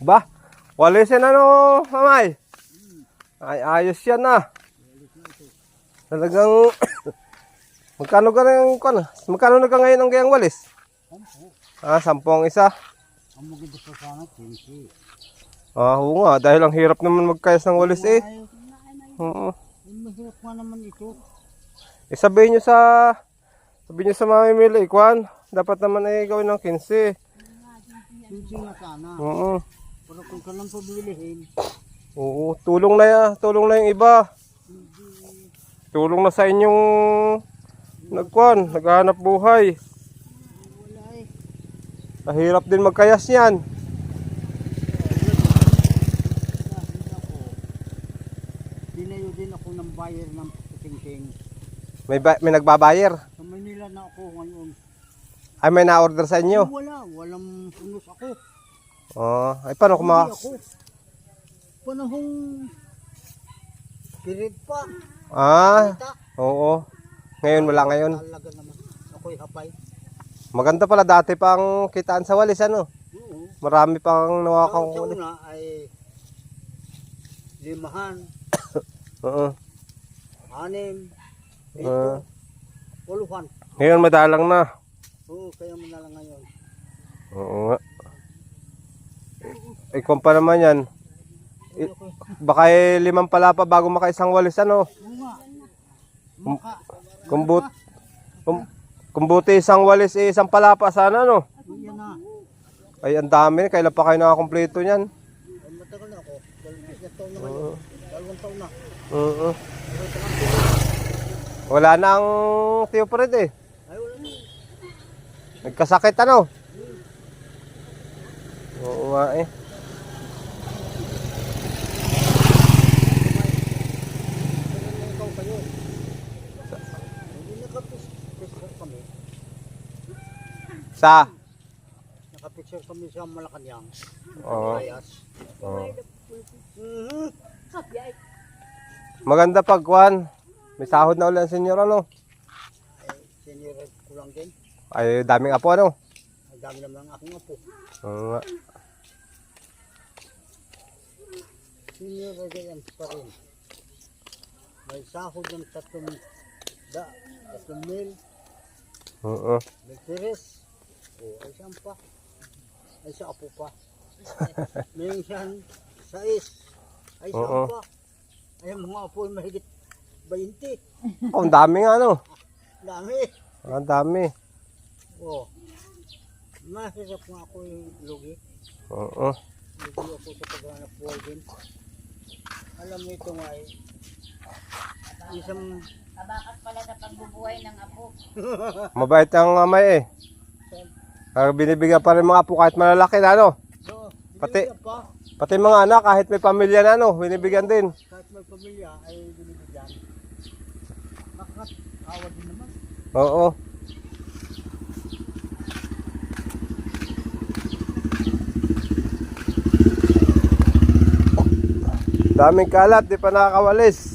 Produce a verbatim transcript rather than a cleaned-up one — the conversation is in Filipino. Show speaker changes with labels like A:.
A: Ba? Walisin ano, mamay? Ay, ayos yan na. Talagang... magkano ka rin, ano? Magkano na ka ngayon ang gayang walis?
B: Sampo.
A: Ah, sampung isa.
B: Ang maganda pa sana, twenty.
A: Ah, oo nga. Dahil ang hirap naman magkayas ng walis eh.
B: Ay,
A: Oo.
B: ay, mahirap nga naman ito.
A: Eh, sabihin nyo sa... Sabihin nyo sa mamimili, Kwan. Dapat naman ay gawin ng quince.
B: twenty nga sana.
A: Oo.
B: Pero kung ka lang pabilihin,
A: Oo. Tulong na ya. Tulong na yung iba. Tulong na sa inyong... Nagkwan. Naghahanap buhay.
B: wala eh.
A: Mahirap din magkayas yan.
B: Dahil ako, dinayo din ako ng buyer ng tingting.
A: May, ba- may nagbabayar.
B: Sa Manila na ako ngayon.
A: Ay, may na-order sa inyo.
B: Wala, walang punos ako.
A: Oh, ay paano kung ma...
B: Hindi ako. Panahong period pa.
A: Ah,
B: Kita.
A: oo. Ngayon wala ngayon.
B: Talaga naman. Ako'y hapay.
A: Maganda pala dati pang kitaan sa walis ano.
B: Oo.
A: Marami pang
B: Sa,
A: nawakang
B: sa
A: walis.
B: una ay limahan,
A: Oo.
B: anim, ito,
A: Ah.
B: puluhan.
A: Ngayon madalang na.
B: Oo, kaya mo na lang ngayon.
A: Oo nga. Eh, kung pa naman yan. I- baka eh, limang pala pa bago makaisang walis ano.
B: Oo nga. Maka,
A: Kung, but, kung, kung buti isang walis eh, isang palapa sana no.
B: yan na.
A: Ay ang dami. Kailan pa kayo nakakompleto niyan?
B: Ay, matagal na ako. Dalawang isang taon na ngayon. Dalawang taon na.
A: Oo. Wala na ang Tio Fred eh.
B: Ay, wala na.
A: Nagkasakit ano? Oo nga eh.
B: Kailan na ikaw kayo? Hindi nakapicture kami.
A: Sa?
B: Nakapicture kami sa Malacanang.
A: Oo.
B: Ayas.
A: Oo.
B: Mhm.
A: Maganda pagkuhan. May sahod na ulit ang senyor ano?
B: Ay, senior ko lang din.
A: Ay daming apo ano?
B: Ang dami naman ang akong apo.
A: Oo nga.
B: Senior na ganyan pa rin. May sahod ng tatlong da, tatlong mil,
A: Oo.
B: may tiris. O, ay saan pa? Ay sa apo pa. May isang sais. Ay saan
A: Oo.
B: pa? Ay ang mga apo ay mahigit twenty.
A: Oh, ang dami nga ano?
B: Dami.
A: Ang dami.
B: O. Mahirap nga ako yung lugi.
A: Oo.
B: Lugi ako sa paghanap buhay din. Alam mo ito nga eh. Isang
C: Kabakas pala sa pagbubuhay ng apo.
A: Mabait ang amay eh. Kaya binibigyan pa rin mga apo kahit malalaki na ano?
B: so,
A: Pati-
B: binibigyan pa.
A: Pati mga anak kahit may pamilya na ano, binibigyan din.
B: Kahit may pamilya ay binibigyan. Nakakawa din naman.
A: Oo. Daming kalat, di pa nakakawalis.